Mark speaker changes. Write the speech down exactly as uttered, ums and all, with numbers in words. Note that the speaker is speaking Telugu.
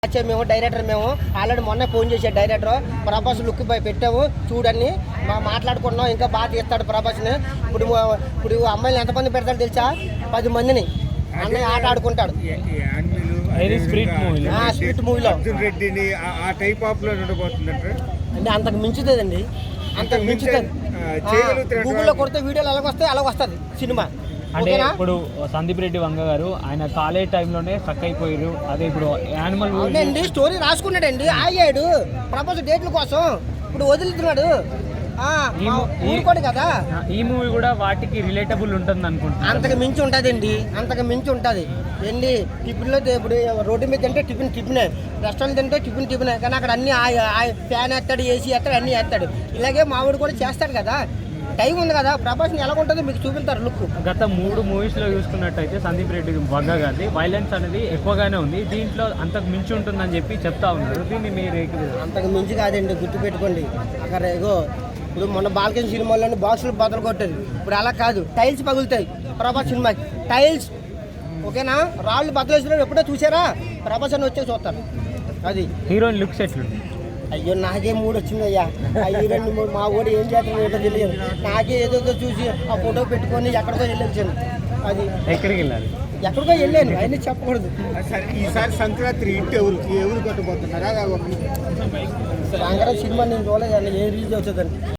Speaker 1: వచ్చే మేము డైరెక్టర్ మేము ఆల్రెడీ మొన్న ఫోన్ చేసే డైరెక్టర్ ప్రభాస్ లుక్ పై పెట్టాము చూడని మా మాట్లాడుకున్నాం. ఇంకా బాగా తీస్తాడు ప్రభాస్ని. ఇప్పుడు ఇప్పుడు అమ్మాయిలు ఎంతమంది పెడతాడు తెలుసా? పది మందిని అన్నయ్య ఆట ఆడుకుంటాడు. స్పిరిట్ మూవీలో అంటే అంతకు మించుతుందండి, అంతకు మించుతుంది. గూగుల్లో కొడితే వీడియోలు ఎలాగ వస్తాయి అలాగ వస్తుంది సినిమా.
Speaker 2: అంటే ఇప్పుడు సందీప్ రెడ్డి వంగ గారు ఆయన కాలేజ్ టైంలోనే స్ట్రక్ అయిపోయారు. అదే ఇప్పుడు యానిమల్
Speaker 1: అవునండి, స్టోరీ రాసుకున్నాడండి, ఆగాడు ప్రభాస్ డేట్ల కోసం. ఇప్పుడు వదులుతున్నాడు కదా.
Speaker 2: ఈ మూవీ కూడా వాటికి రిలేటబుల్ ఉంటుంది అనుకుంటున్నాను.
Speaker 1: అంతకు మించి ఉంటుందండి, అంతకు మించి ఉంటుంది. ఏంటి టిఫిన్లో ఇప్పుడు రోడ్డు మీద తింటే టిఫిన్ టిఫినే, రెస్టారెంట్ తింటే టిఫిన్ టిఫినే. కానీ అక్కడ అన్ని ఫ్యాన్ వేస్తాడు, ఏసీ వేస్తాడు, అన్నీ వేస్తాడు. ఇలాగే మావిడు కూడా చేస్తాడు కదా. టైం ఉంది కదా. ప్రభాస్ని ఎలా ఉంటుందో మీకు చూపిస్తారు లుక్.
Speaker 2: గత మూడు మూవీస్లో చూసుకున్నట్టయితే సందీప్ రెడ్డి వంగ గారి వైలెన్స్ అనేది ఎక్కువగానే ఉంది. దీంట్లో అంతకు మించి ఉంటుందని చెప్పి చెప్తా ఉన్నారు. దీన్ని మీరు
Speaker 1: అంతకు మించి కాదండి, గుర్తుపెట్టుకోండి. అక్కడ ఏగో ఇప్పుడు మొన్న బాల్కన్ సినిమాలోని బాక్సులు బదులు కొట్టేది. ఇప్పుడు అలా కాదు, టైల్స్ పగులుతాయి ప్రభాస్ సినిమాకి. టైల్స్ ఓకేనా, రాళ్ళు బదులేసిన ఎప్పుడో చూసారా? ప్రభాస్ అని వచ్చే చూస్తారు. అది
Speaker 2: హీరోయిన్ లుక్స్ ఎట్లుంది?
Speaker 1: అయ్యో నాకే మూడు వచ్చింది అయ్యా. ఆ హీరోయిన్ మా ఊడు ఏం చేస్తాను ఏంటో తెలియదు. నాకే ఏదో చూసి ఆ ఫోటో పెట్టుకొని ఎక్కడికో వెళ్ళొచ్చాను. అది
Speaker 2: ఎక్కడికి వెళ్ళాలి?
Speaker 1: ఎక్కడికో వెళ్ళాను, అయినా చెప్పకూడదు.
Speaker 3: ఈసారి సంక్రాంతి ఇంటి ఎవరికి ఎవరు కట్టుపోతున్నారా?
Speaker 1: సంక్రాంతి సినిమా నేను చూడలేదు, ఏ రిలీజ్ అవుతుందండి.